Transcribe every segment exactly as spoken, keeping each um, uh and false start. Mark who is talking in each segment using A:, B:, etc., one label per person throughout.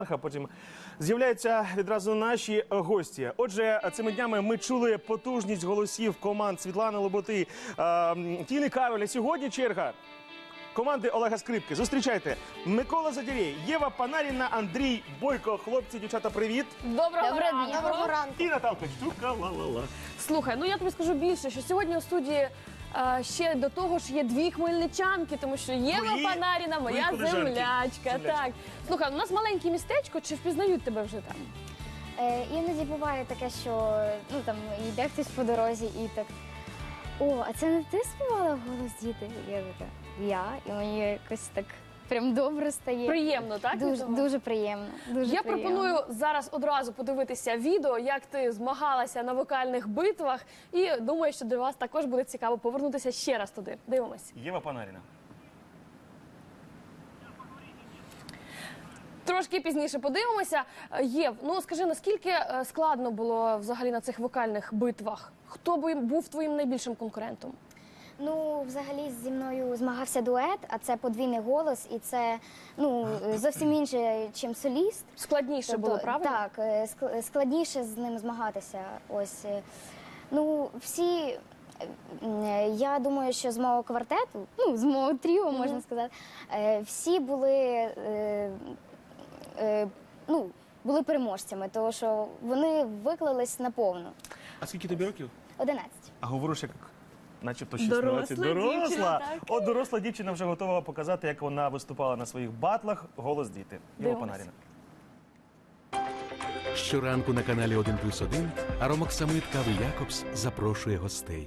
A: А потім з'являються відразу наші гості. Отже, цими днями ми чули потужність голосів команд Світлани Лоботи, Тіни Кароль. Сьогодні черга команди Олега Скрипки. Зустрічайте. Микола Задірєй, Єва Панаріна, Андрій Бойко. Хлопці, дівчата, привіт.
B: Доброго,
C: Доброго
B: ранку.
C: дня. Доброго ранку.
A: І Наталка Штука. Ла-ла-ла.
B: Слухай, ну я тобі скажу більше, що сьогодні у студії а, ще до того ж є дві хмельничанки, тому що Єва
A: Мої-
B: Панаріна, моя
A: мої колежанки.
B: землячка.
A: Землячки.
B: Так. Слухай, у нас маленьке містечко, чи впізнають тебе вже там?
C: Е, іноді буває таке, що ну там йде хтось по дорозі і так. О, а це не ти співала голос діти? Я така, я. І мені якось так прям добре стає.
B: Приємно, так? від
C: Дуже,
B: того?
C: дуже приємно. Дуже
B: Я
C: приємно.
B: пропоную зараз одразу подивитися відео, як ти змагалася на вокальних битвах. І думаю, що для вас також буде цікаво повернутися ще раз туди. Дивимось.
A: Єва Панаріна.
B: Трошки пізніше подивимося. Е, Єв, ну скажи, наскільки е, складно було взагалі на цих вокальних битвах? Хто би був твоїм найбільшим конкурентом?
C: Ну, взагалі зі мною змагався дует, а це подвійний голос, і це ну зовсім інше, ніж соліст.
B: Складніше було,
C: Тобто,
B: правда?
C: Так, е, ск- складніше з ним змагатися. Ось е, ну всі. е, м, Я думаю, що з мого квартету, ну з мого тріо, можна сказати, е, всі були е, е, ну, були переможцями, тому що вони виклались наповну.
A: А скільки тобі років?
C: одинадцять.
A: А говориш, як начебто
B: Доросла
A: шістнадцять.
B: дівчина,
A: Доросла.
B: так.
A: От доросла дівчина вже готова показати, як вона виступала на своїх батлах. Голос діти. Єва
B: Дивимось.
A: Панаріна.
D: Щоранку на каналі один плюс один Аромоксамит Кави Якобс запрошує гостей.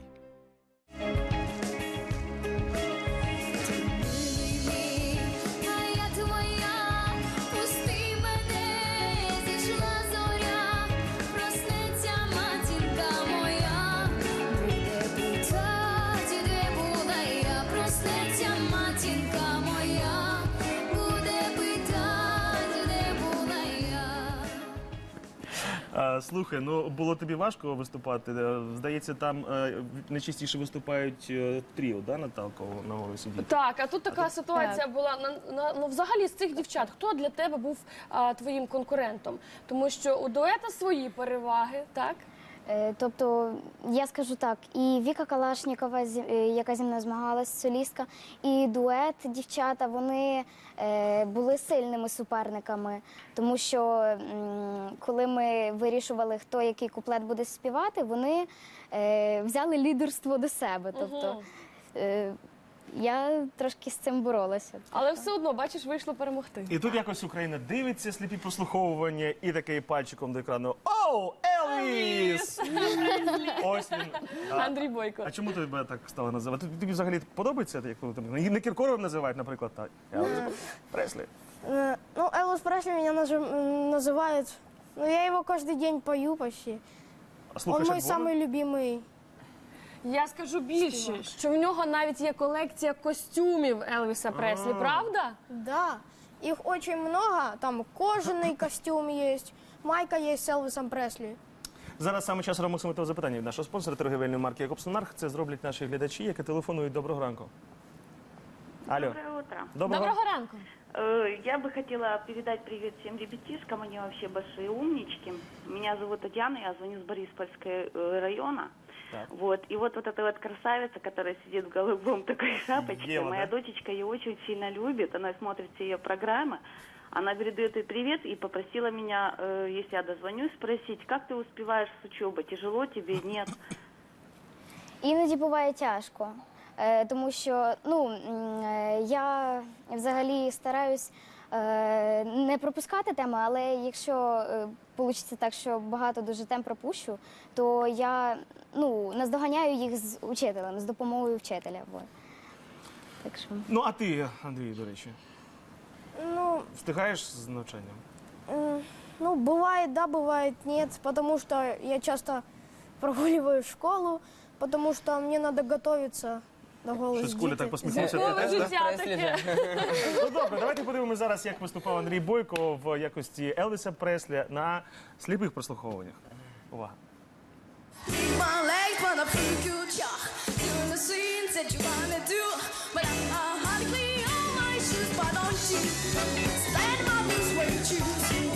E: А я твоя, пусти мене, зійшла зоря, проснеться матінка моя, буде питать, де була я, проснеться матінка моя, буде питать, де була я.
A: А, слухай, ну було тобі важко виступати. Е, Здається, там е, найчастіше виступають е, тріо, да, Наталко, на голосі діти?
B: Так, а тут така ситуація була. На, на, ну, взагалі, з цих дівчат, хто для тебе був а, твоїм конкурентом? Тому що у дуета свої переваги, так?
C: Е, Тобто, я скажу так, і Віка Калашнікова, зі- е, яка зі мною змагалась, солістка, і дует дівчата, вони е, були сильними суперниками, тому що м, коли ми вирішували, хто який куплет буде співати, вони е, взяли лідерство до себе. Тобто, е, я трошки з цим боролася.
B: Але все одно, бачиш, вийшло перемогти.
A: І тут якось Україна дивиться сліпі прослуховування і такий пальчиком до екрану. Оу, Елвіс! Ось він. А,
B: Андрій Бойко.
A: а чому тебе так стало називати? Тобі взагалі подобається, як коли там не Кіркоровим називають, наприклад, так? Елвіс Преслі.
F: Э, Ну, Элвис Пресли меня нажи- м, называют. Ну, я его каждый день пою почти.
A: А
F: Он
A: слухаєш,
F: мой
A: як Бога?
F: самый любимый.
B: Я скажу більше, що в нього навіть є колекція костюмів Елвіса Преслі, правда?
F: Да. Их очень много. Там кожаный костюм есть, майка есть с Элвисом Пресли.
A: Зараз саме час ромоксимитого запитання від нашого спонсора торгівельної марки Якобс Монарх. Це зроблять наші глядачі, які телефонують. Доброго ранку. Алло.
G: Доброе утро.
A: Доброго.
B: Доброго ранку.
G: Э, Я бы хотела передать привет всем ребятишкам, они вообще большие умнички. Меня зовут Татьяна, я звоню с Бориспольского э, района.
A: Так.
G: Вот. И вот, вот эта вот красавица, которая сидит в голубом такой шапочке,
A: Ева,
G: моя
A: да?
G: дочечка ее очень сильно любит, она смотрит все ее программы. Она передает ей привет и попросила меня, э, если я дозвонюсь, спросить, как ты успеваешь с учебой, тяжело тебе, нет?
C: Іноді буває тяжко, е, тому що ну, м, е, я взагалі стараюсь е, не пропускати теми, але якщо вийде так, що багато дуже тем пропущу, то я ну, наздоганяю їх з учителем, з допомогою вчителя. Вот. Так що...
A: Ну, а ти, Андрій, до речі,
F: Ну,
A: встигаєш з навчанням?
F: м, ну, бывает да, бывает нет, потому что я часто прогуливаю школу, потому что мне надо готовиться до голос
A: Щось Коля
F: діти.
A: так посміхнувся.
B: Зіркове
A: Ти теж, да?
B: життя таке.
A: Ну добре, давайте подивимося зараз, як виступав Андрій Бойко в якості Елвіса Преслі на сліпих прослуховуваннях. Увага.
E: My legs wanna pick you, yeah. Doing the things that you wanna do, but I'm not hardly on my shoes, but don't you stand my blues when you choose.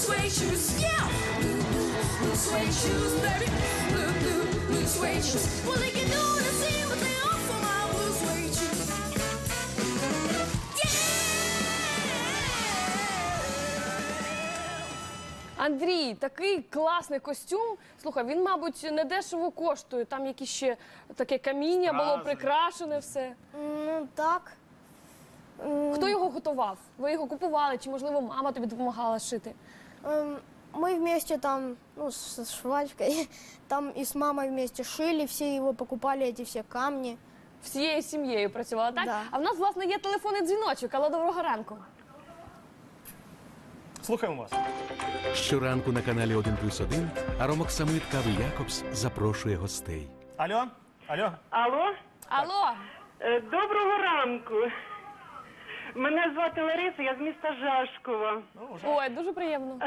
E: suede shoes, yeah. Blue, blue, blue suede shoes, baby. Blue, blue, blue suede shoes. Well, they can do the same, but they offer my blue suede shoes.
B: Андрій, такий класний костюм. Слухай, він, мабуть, не дешево коштує. Там якісь ще таке каміння було
A: Рази.
B: прикрашене все.
F: Ну, так. М,
B: Хто його готував? Ви його купували? Чи, можливо, мама тобі допомагала шити?
F: эм, Мы вместе там, ну, с с швачкой, там и с мамой вместе шили, все его покупали, эти все камни.
B: Всією сім'єю працювала, так?
F: Да.
B: А в нас, власне, є телефонний дзвіночок. Алло, доброго ранку.
A: Слухаємо вас.
D: Щоранку на каналі один плюс один Аромок Самит Кави Якобс запрошує гостей.
A: Алло? Алло?
G: Алло,
B: Алло,
G: Е, доброго ранку. Мене звати Лариса, я з міста Жашкова.
B: ой, дуже приємно.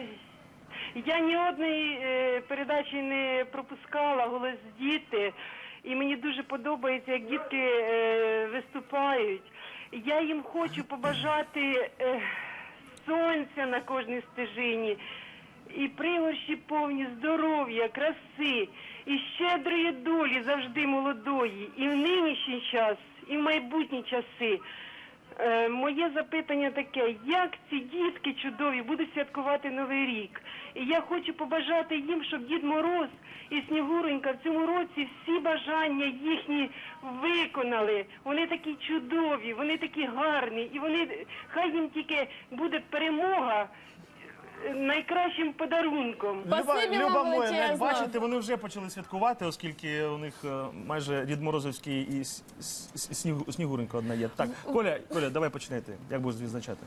G: Я ні одної е, передачі не пропускала, «Голос діти», і мені дуже подобається, як дітки е, виступають. Я їм хочу побажати е, сонця на кожній стежині, і пригорші повні здоров'я, краси, і щедрої долі завжди молодої, і в нинішній час, і в майбутні часи. Е, моє запитання таке, як ці дітки чудові будуть святкувати Новий рік? І я хочу побажати їм, щоб Дід Мороз і Снігуренька в цьому році всі бажання їхні виконали. Вони такі чудові, вони такі гарні, і вони, хай їм тільки буде перемога е, найкращим подарунком.
B: Спасибі вам
A: Люба моя,
B: величезно.
A: як бачите, вони вже почали святкувати, оскільки у них е, майже Дід Морозовський і с- с- с- Снігу- Снігуренька одна є. Так, Коля, Коля, давай починайте. Як будеш відзначати?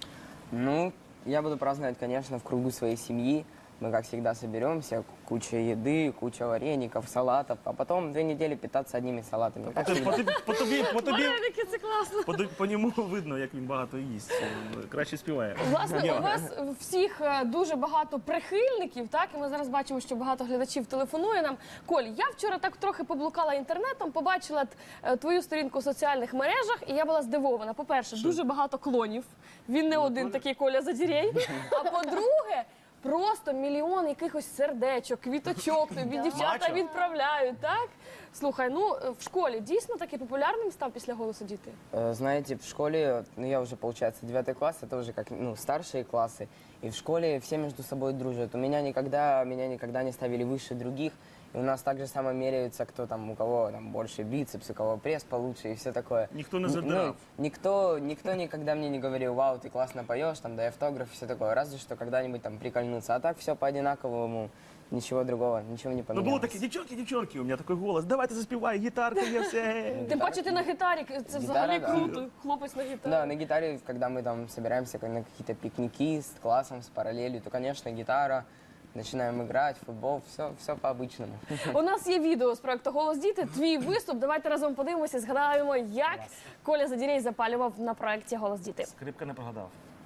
H: Ну, я буду праздновать, конечно, в кругу своей семьи. Мы, как всегда, соберемся, куча еды, куча вареников, салатов, а потом две недели питаться одними салатами.
A: По,
H: Как
A: тобі-
H: всегда.
A: по, тобі- по тобі, по тобі,
B: Вареники, це класно.
A: по, тобі- по ньому видно, як він багато їсть. Е, Краще співає.
B: Власне,
A: Єва.
B: у вас всіх е, дуже багато прихильників, так? І ми зараз бачимо, що багато глядачів телефонує нам. Коль, я вчора так трохи поблукала інтернетом, побачила е, твою сторінку в соціальних мережах, і я була здивована. По-перше, дуже багато клонів. Він не один такий Коля Задірєй. А по-друге, просто мільйон якихось сердечок, квіточок тобі дівчата
A: Мачо.
B: відправляють, так? Слухай, ну е, в школі дійсно такий популярним став після «Голосу діти»?
H: Э, Знаете, в школе, ну, я уже, получается, девятый класс, это уже как, ну, старшие классы, и в школе все между собой дружат. У меня никогда, меня никогда не ставили выше других, и у нас так же само меряются, кто там, у кого там больше бицепс, у кого пресс получше и все такое.
A: Никто не
H: Н-
A: задирал.
H: Ну, никто, никто никогда мне не говорил, вау, ты классно поешь, там, дай автограф и все такое, разве что когда-нибудь там прикольнуться. А так все по одинаковому, ничего другого, ничего не
A: Ну
H: поменялось.
A: було таке, дівчонки, дівчонки, у мене такий голос, давайте заспівай, гітарка є, все.
B: Тим паче ти на гітарі, це взагалі
H: да.
B: круто. Хлопець на гітарі.
H: Да, на гитаре, когда мы там собираемся на какие-то пикники с классом, с параллелью, то, конечно, гитара, начинаем играть, футбол, все, все по-обычному.
B: У нас є відео з проекту «Голос діти», твій виступ. Давайте разом подивимося і згадаємо, як Коля Задірєй запалював на проекті «Голос діти».
A: Скрипка не прогадав.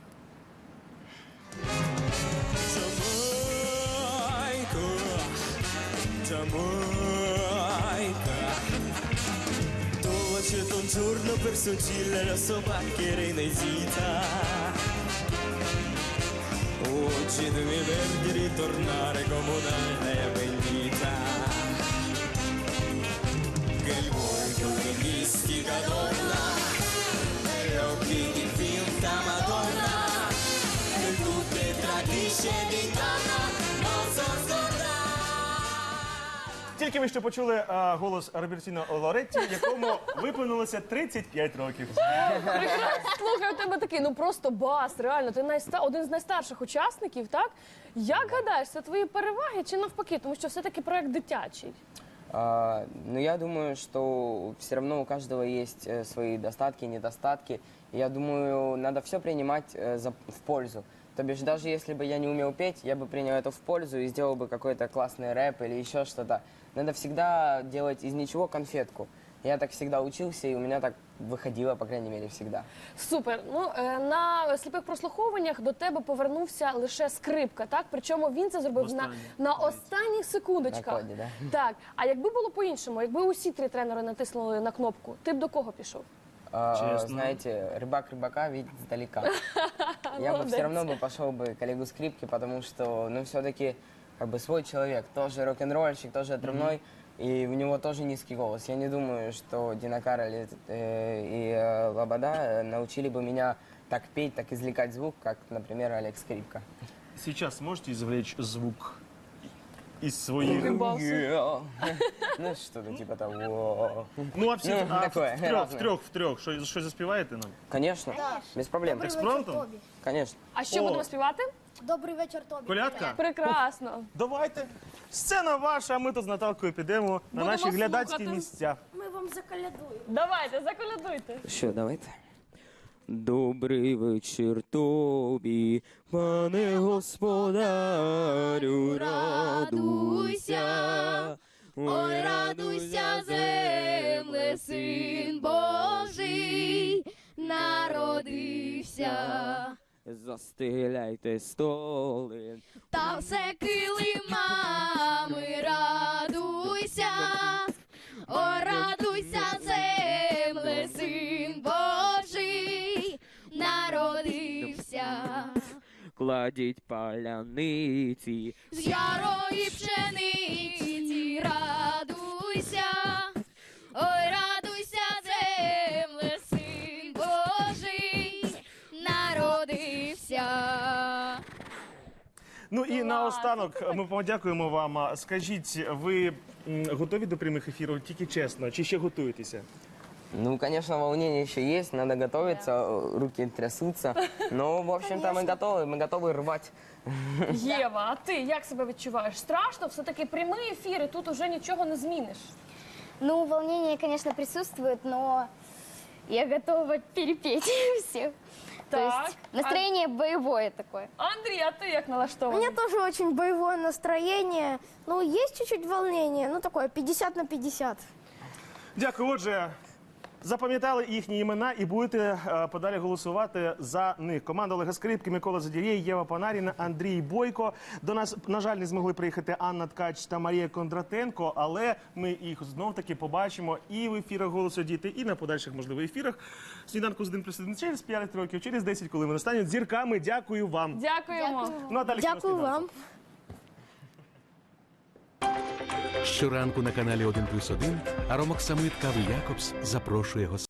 I: Dolce un giorno per soncilla la sua pacchera inesita. Oggi devi verdi ritornare come un'altra bendita. Che il volto di mistica donna, e gli occhi di finta Madonna, e tutte tradisce di donna, non so scordare.
A: Тільки ви що почули е, голос Робертіно Лоретті, якому виповнилося тридцять п'ять років.
B: Прекрасно. Слухай, у тебе такий, ну просто бас, реально. Ти найста... один з найстарших учасників, так? Як гадаєш, це твої переваги чи навпаки? Тому що все-таки проект дитячий.
H: А, ну, я думаю, что все равно у каждого есть э, свои достатки, недостатки. И я думаю, надо все принимать э, за, в пользу. То бишь, даже если бы я не умел петь, я бы принял это в пользу и сделал бы какой-то классный рэп или еще что-то. Надо всегда делать из ничего конфетку. Я так всегда учился, и у меня так выходило, по крайней мере, всегда.
B: Супер. Ну, е, на сліпих прослуховуваннях до тебе повернувся лише скрипка, так? Причому він це зробив на,
A: Останнє.
B: на останніх секундочках.
H: На коді, да.
B: Так. А якби було по-іншому, якби усі три тренери натиснули на кнопку, ти б до кого пішов?
H: А,
A: Честно.
H: знаете, рыбак рыбака видит издалека. Я бы
B: молодець.
H: все равно бы пошел бы к Олегу Скрипке, потому что, ну, все-таки, как бы, свой человек, тоже рок-н-ролльщик, тоже отрывной, и у него тоже низкий голос. Я не думаю, что Дина Кароль э, и э, Лобода э, научили бы меня так петь, так извлекать звук, как, например, Олег Скрипка.
A: Сейчас можете извлечь звук из своих...
H: Yeah. Ну, что-то типа того.
A: Ну, а всі
H: Ну,
A: а,
H: такое,
A: в трьох, в
H: разне.
A: трьох, в трьох. Що, що заспіваєте нам?
H: Конечно, без проблем.
F: Добрий
A: Експромтом?
F: вечір, Тобі.
H: Конечно.
B: А що
A: О.
B: будемо співати?
F: Добрий вечір, Тобі.
A: Колядка?
B: Прекрасно.
A: Давайте. Сцена ваша, а ми тут з Наталкою підемо на
B: Будемо
A: наші глядацькі
B: слухати.
A: місця.
F: Ми вам заколядуємо.
B: Давайте, заколядуйте.
H: Що, давайте. Добрий вечір тобі, пане господарю, радуйся, ой, радуйся, земле, син Божий народився. Застеляйте столи,
E: Та все килимами радуйся, о, радуйся, земле, син Божий народився.
H: кладіть паляниці,
E: З ярої пшениці радуйся, ой, радуйся, земле, син Божий народився.
A: Ну і наостанок ми подякуємо вам. А Скажіть, ви м, готові до прямих ефірів? Тільки чесно, чи ще готуєтеся?
H: Ну, конечно, волнение еще есть, надо готовиться, руки трясутся. Но, в общем-то, мы готовы, мы готовы рвать.
B: Єва, а ти як себе відчуваєш? Страшно? Все-таки прямий ефір, і тут уже нічого не зміниш.
C: Ну, волнение, конечно, присутствует, но я готова перепеть всех. То
B: Так.
C: есть настроение боевое такое.
B: Андрій, а ти як
F: У
B: налаштований?
F: меня тоже очень боевое настроение. Ну, есть чуть-чуть волнение, ну, такое пятьдесят на пятьдесят.
A: Дякую. Отже, запам'ятали їхні імена і будете е, подалі голосувати за них. Команда Олега Скрипки, Микола Задірєй, Єва Панаріна, Андрій Бойко. До нас, на жаль, не змогли приїхати Анна Ткач та Марія Кондратенко, але ми їх знов-таки побачимо і в ефірах «Голосу діти», і на подальших, можливо, ефірах «Сніданку з один плюс один» через п'ять років, через десять, коли вони стануть зірками. Дякую вам.
B: Дякуємо.
A: Ну, а далі
F: Дякую
A: «Сніданку».
F: вам.
D: Щоранку на каналі один плюс один Аромок Самит Кави Якобс запрошує гостей.